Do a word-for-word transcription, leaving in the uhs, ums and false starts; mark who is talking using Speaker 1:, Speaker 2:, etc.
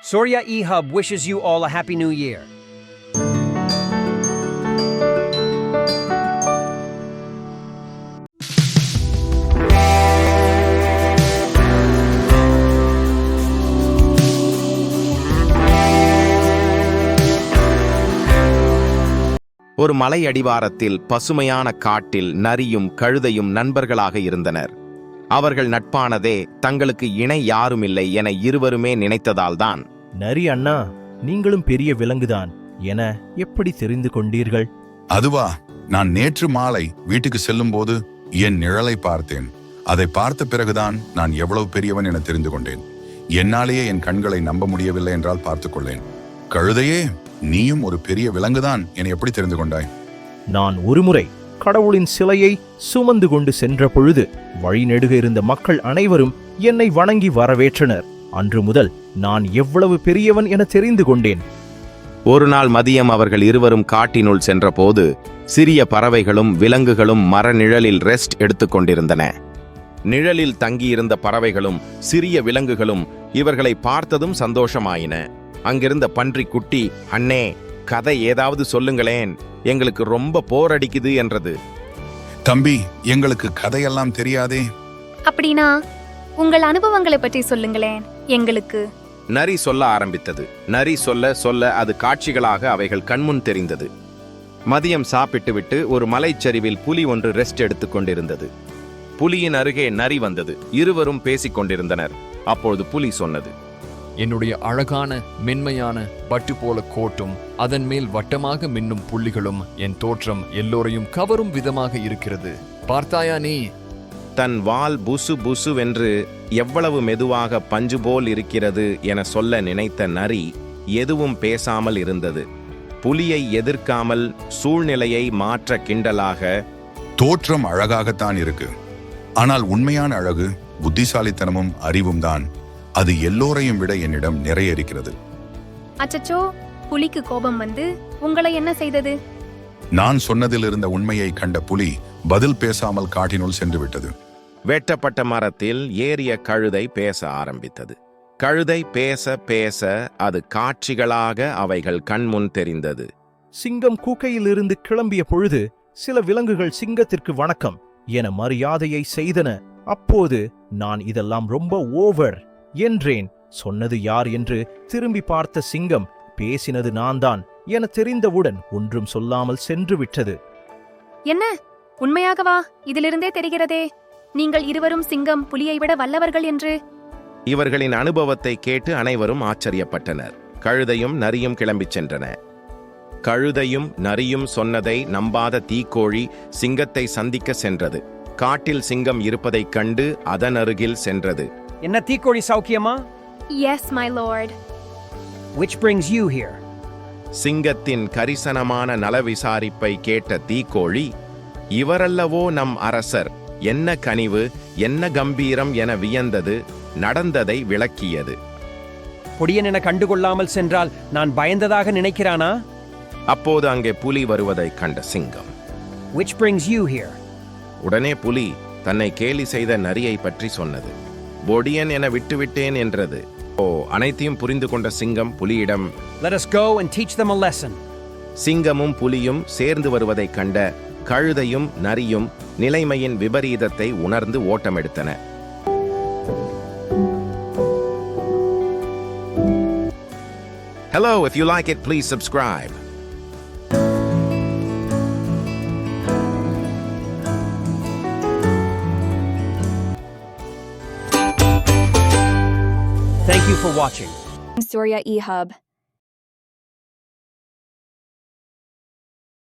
Speaker 1: Surya eHub wishes you all a happy new year.
Speaker 2: ஒரு மலை அடிவாரத்தில் பசுமையான காட்டில் நரியும் கழுதையும் நண்பர்களாக இருந்தனர். அவர்கள் நட்பானதே தங்களுக்கு இணை யாருமில்லை என இருவருமே நினைத்ததால்தான்.
Speaker 3: நரி அண்ணா, நீங்களும் பெரிய விலங்குதான் என எப்படி தெரிந்து கொண்டீர்கள்?
Speaker 4: அதுவா, நான் நேற்று மாலை வீட்டுக்கு செல்லும் போது என் நிழலை பார்த்தேன். அதை பார்த்த பிறகுதான் நான் எவ்வளவு பெரியவன் என தெரிந்து கொண்டேன். என்னாலேயே என் கண்களை நம்ப முடியவில்லை என்றால் பார்த்துக்கொள்ளேன். கழுதையே, நீயும் ஒரு பெரிய விலங்குதான் என எப்படி தெரிந்து கொண்டாய்?
Speaker 3: நான் ஒருமுறை கடவுளின் சிலையை சுமந்து கொண்டு சென்ற பொழுது வழிநெடுக இருந்த மக்கள் அனைவரும் என்னை வணங்கி வரவேற்றனர். அன்று முதல் நான் எவ்வளவு பெரியவன் என தெரிந்து கொண்டேன்.
Speaker 2: ஒரு நாள் மதியம் அவர்கள் இருவரும் காட்டினுள் சென்றபோது சிறிய பறவைகளும் விலங்குகளும் மர நிழலில் ரெஸ்ட் எடுத்துக்கொண்டிருந்தன. நிழலில் தங்கியிருந்த பறவைகளும் சிறிய விலங்குகளும் இவர்களை பார்த்ததும் சந்தோஷமாயின. அங்கிருந்த பன்றி குட்டி, அண்ணே, கதை ஏதாவது சொல்லுங்களேன், எங்களுக்கு ரொம்ப போர் அடிக்குது என்றது.
Speaker 4: தம்பி, எங்களுக்கு கதையெல்லாம் தெரியாதே.
Speaker 5: அப்படின்னா உங்கள் அனுபவங்களை பற்றி சொல்லுங்களேன் எங்களுக்கு.
Speaker 2: நரி சொல்ல ஆரம்பித்தது. நரி சொல்ல சொல்ல அது காட்சிகளாக அவைகள் கண்முன் தெரிந்தது. மதியம் சாப்பிட்டு விட்டு ஒரு மலைச்சரிவில் புலி ஒன்று ரெஸ்ட் எடுத்துக் கொண்டிருந்தது. புலியின் அருகே நரி வந்தது. இருவரும் பேசிக் கொண்டிருந்தனர். அப்பொழுது புலி சொன்னது,
Speaker 6: என்னுடைய அழகான மென்மையான பட்டு போல கோட்டும் அதன் மேல் வட்டமாக மின்னும் புள்ளிகளும் என் தோற்றம் எல்லோரையும் கவரும் விதமாக இருக்கிறது. பார்த்தாயா நீ?
Speaker 2: தன் வால் புசு புசுவென்று எவ்வளவு மெதுவாக பஞ்சு போல் இருக்கிறது என சொல்ல நினைத்த நரி எதுவும் பேசாமல் இருந்தது. புலியை எதிர்க்காமல் சூழ்நிலையை மாற்ற கிண்டலாக,
Speaker 4: தோற்றம் அழகாகத்தான் இருக்கு, ஆனால் உண்மையான அழகு புத்திசாலித்தனமும் அறிவும் தான். அது எல்லோரையும் விட என்னிடம் நிறைய இருக்கிறது.
Speaker 5: அச்சச்சோ, புலிக்கு கோபம் வந்து உங்களை என்ன செய்தது?
Speaker 4: நான் சொன்னதில் இருந்த உண்மையை கண்ட புலி பதில் பேசாமல் காட்டினுள் சென்று விட்டது.
Speaker 2: வெட்டப்பட்ட மரத்தில் ஏறிய கழுதை பேச ஆரம்பித்தது. கழுதை பேச பேச அது காட்சிகளாக அவைகள் கண்முன் தெரிந்தது.
Speaker 3: சிங்கம் கூக்கையிலிருந்து கிளம்பிய பொழுது சில விலங்குகள் சிங்கத்திற்கு வணக்கம் என மரியாதையை செய்தன. அப்போது நான் இதெல்லாம் ரொம்ப ஓவர் என்றேன். சொன்னது யார் என்று திரும்பி பார்த்த சிங்கம் பேசினது நான் தான் என தெரிந்தவுடன் ஒன்றும் சொல்லாமல் சென்று விட்டது.
Speaker 5: என்ன, உண்மையாகவா? இதிலிருந்தே தெரிகிறதே நீங்கள் இருவரும் சிங்கம் புலியை விட வல்லவர்கள் என்று.
Speaker 2: இவர்களின் அனுபவத்தை கேட்டு அனைவரும் ஆச்சரியப்பட்டனர். கழுதையும் நரியும் கிளம்பிச் சென்றன. கழுதையும் நரியும் சொன்னதை நம்பாத தீக்கோழி சிங்கத்தை சந்திக்க சென்றது. காட்டில் சிங்கம் இருப்பதைக் கண்டு அதன் அருகில் சென்றது.
Speaker 1: என்ன தீக்கோழி, சௌக்கியமா?
Speaker 5: Yes, my lord.
Speaker 1: Which brings you here?
Speaker 2: சிங்கத்தின் கரிசனமான நல விசாரிப்பை கேட்ட தீக்கோழி, இவரல்லவோ நம் அரசர், என்ன கனிவு, என்ன கம்பீரம் என வியந்தது. நடந்ததை விளக்கியது.
Speaker 1: பொடியன் என கண்டுகொள்ளாமல் சென்றால் நான் பயந்ததாக நினைக்கிறானா?
Speaker 2: அப்போது அங்கே புலி வருவதைக் கண்ட சிங்கம்,
Speaker 1: Which brings you here?
Speaker 2: உடனே புலி தன்னை கேலி செய்த நரியை பற்றி சொன்னது. பொடியன் என விட்டுவிட்டேன் என்றது. ஓ, அனைத்தையும் புரிந்து கொண்ட சிங்கம் புலியிடம்,
Speaker 1: Let us go and teach them a lesson.
Speaker 2: சிங்கமும் புலியும் சேர்ந்து வருவதைக் கண்ட கழுதையும் நரியும் நிலைமையின் விபரீதத்தை உணர்ந்து ஓட்டமெடுத்தன. Hello, if you like it, please subscribe.
Speaker 1: Thank you for watching.
Speaker 5: Surya eHub.